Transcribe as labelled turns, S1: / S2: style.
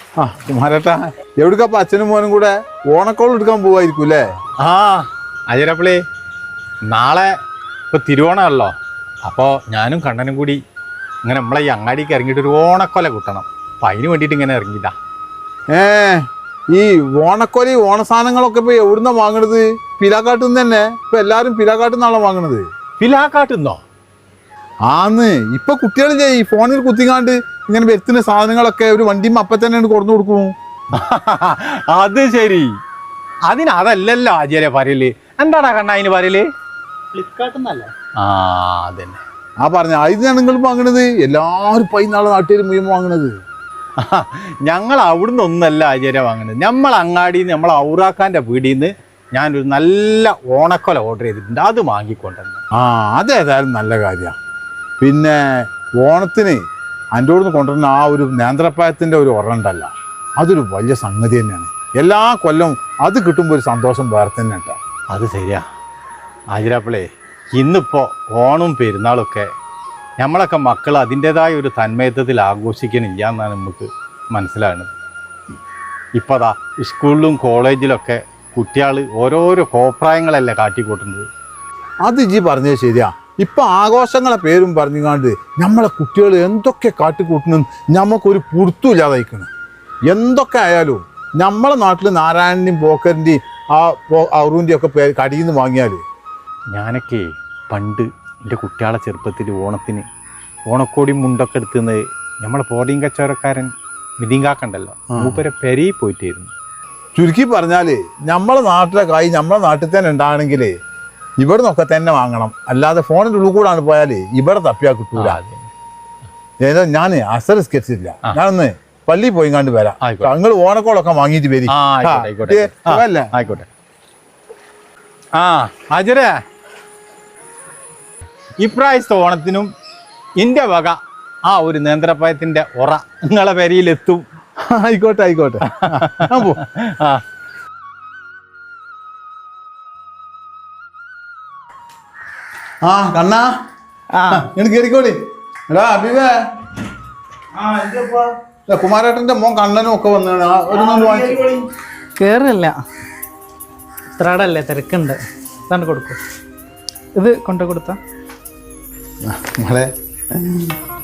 S1: ആ കുമാരേട്ടാ, എവിടുക്കപ്പ അച്ഛനും മോനും കൂടെ ഓണക്കോൾ എടുക്കാൻ പോവായിരിക്കും അല്ലേ?
S2: ആ അജരപ്പിളി, നാളെ ഇപ്പോൾ തിരുവോണമല്ലോ. അപ്പോൾ ഞാനും കണ്ണനും കൂടി ഇങ്ങനെ നമ്മളെ ഈ അങ്ങാടിക്ക് ഇറങ്ങിയിട്ട് ഒരു ഓണക്കൊല കിട്ടണം. അപ്പം അതിന് വേണ്ടിയിട്ട് ഇങ്ങനെ ഇറങ്ങിയതാ.
S1: ഈ ഓണക്കൊലി ഓണസാധനങ്ങളൊക്കെ ഇപ്പൊ എവിടുന്നാ വാങ്ങണത്? പിലാക്കാട്ടിൽ നിന്ന് തന്നെ. ഇപ്പൊ എല്ലാരും പിലാക്കാട്ടിൽ നിന്നാണോ വാങ്ങണത്?
S2: പിലാക്കാട്ടുന്നോ?
S1: ആന്ന് ഇപ്പൊ കുട്ടികളില്ലേ ഈ ഫോണിൽ കുത്തിക്കാണ്ട് ഇങ്ങനെ വരുത്തുന്ന സാധനങ്ങളൊക്കെ ഒരു വണ്ടിയും അപ്പം തന്നെ കൊടുന്നു കൊടുക്കും.
S2: അത് ശരി, അതല്ലല്ലോ ആചാര്യ പറയല്. എന്താടാ കണ്ണ അതിന് പറയല്?
S3: ഫ്ലിപ്കാർട്ടിന്നല്ലേ?
S2: ആ അതന്നെ
S1: ആ പറഞ്ഞ അതിനാണ് നിങ്ങൾ വാങ്ങണത്. എല്ലാവരും പൈനാളെ നാട്ടുകാർ മുഴുവൻ വാങ്ങണത്.
S2: ഞങ്ങൾ അവിടുന്ന് ഒന്നല്ല ആചാര്യ വാങ്ങുന്നത്. നമ്മൾ അങ്ങാടിയിൽ നിന്ന് നമ്മൾ ഔറാക്കാൻ്റെ വീടിൽ നിന്ന് ഞാനൊരു നല്ല ഓണക്കൊല ഓർഡർ ചെയ്തിട്ടുണ്ട്. അത് വാങ്ങിക്കൊണ്ടുവന്നു.
S1: അതേതായാലും നല്ല കാര്യമാണ്. പിന്നെ ഓണത്തിന് എൻ്റെ അടുത്ത് കൊണ്ടുവരുന്ന ആ ഒരു നേന്ത്രപ്പായത്തിൻ്റെ ഒരു ഉറണ്ടല്ല, അതൊരു വലിയ സംഗതി തന്നെയാണ്. എല്ലാ കൊല്ലവും അത് കിട്ടുമ്പോൾ ഒരു സന്തോഷം വേറെ തന്നെ കേട്ടോ.
S2: അത് ശരിയാ ആചാര്യപ്പിളേ. ഇന്നിപ്പോൾ ഓണവും പെരുന്നാളൊക്കെ നമ്മളൊക്കെ മക്കൾ അതിൻ്റെതായ ഒരു തന്മയത്വത്തിൽ ആഘോഷിക്കണില്ല എന്നാണ് നമുക്ക് മനസ്സിലാകുന്നത്. ഇപ്പോൾ അതാ സ്കൂളിലും കോളേജിലൊക്കെ കുട്ടികൾ ഓരോരോ കോപ്രായങ്ങളല്ലേ കാട്ടിക്കൂട്ടുന്നത്.
S1: അത് ഇജ്ജി പറഞ്ഞത് ശരിയാ. ഇപ്പം ആഘോഷങ്ങളെ പേരും പറഞ്ഞുകൊണ്ട് നമ്മളെ കുട്ടികൾ എന്തൊക്കെ കാട്ടിക്കൂട്ടണം നമുക്കൊരു പുറത്തുമില്ലാതായിക്കണം. എന്തൊക്കെ ആയാലും നമ്മളെ നാട്ടിൽ നാരായണൻ്റെയും പോക്കറിൻ്റെയും അറുവിൻ്റെയും ഒക്കെ കടിയിൽ നിന്ന് വാങ്ങിയാൽ.
S2: ഞാനൊക്കെ പണ്ട് എൻ്റെ കുട്ടികളെ ചെറുപ്പത്തിൽ ഓണത്തിന് ഓണക്കോടി മുണ്ടൊക്കെ എടുത്തുന്നത് നമ്മളെ പോടിയും കച്ചവടക്കാരൻ മിതിങ്കാക്കണ്ടല്ലോ, മൂപ്പരെ പെരയിൽ പോയിട്ടായിരുന്നു.
S1: ചുരുക്കി പറഞ്ഞാൽ നമ്മളെ നാട്ടിലെ കായ് നമ്മളെ നാട്ടിൽ തന്നെ ഉണ്ടാകണമെങ്കിൽ ഇവിടെ നിന്നൊക്കെ തന്നെ വാങ്ങണം. അല്ലാതെ ഫോണിൻ്റെ ഉള്ളിൽ കൂടാണ് പോയാൽ ഇവിടെ തപ്പിയാൽ കിട്ടൂല. ഏതോ ഞാൻ അസറിസ്കരിച്ചില്ല, ഞാനൊന്ന് പള്ളിയിൽ പോയി കണ്ട് വരാം. നിങ്ങൾ ഓണക്കോളൊക്കെ വാങ്ങിയിട്ട് വരും.
S2: ആയിക്കോട്ടെ. ആ അജര, ഇപ്രാവശ്യത്തെ ഓണത്തിനും എൻ്റെ വക ആ ഒരു നേന്ത്രപ്പായത്തിൻ്റെ ഉറ നിങ്ങളെ പെരയിലെത്തും.
S1: ആയിക്കോട്ടെ. ആ കണ്ണാ, എനിക്ക് കയറിക്കോടി. എടാ അഭിവേ, കുമാരേട്ടന്റെ മോൻ കണ്ണനും ഒക്കെ വന്നാണ്.
S3: കേറില്ല, ഇത്രടല്ലേ തിരക്കുണ്ട്. ഇതാണ്ട് കൊടുക്കും. ഇത് കൊണ്ടു കൊടുത്ത
S1: മോളെ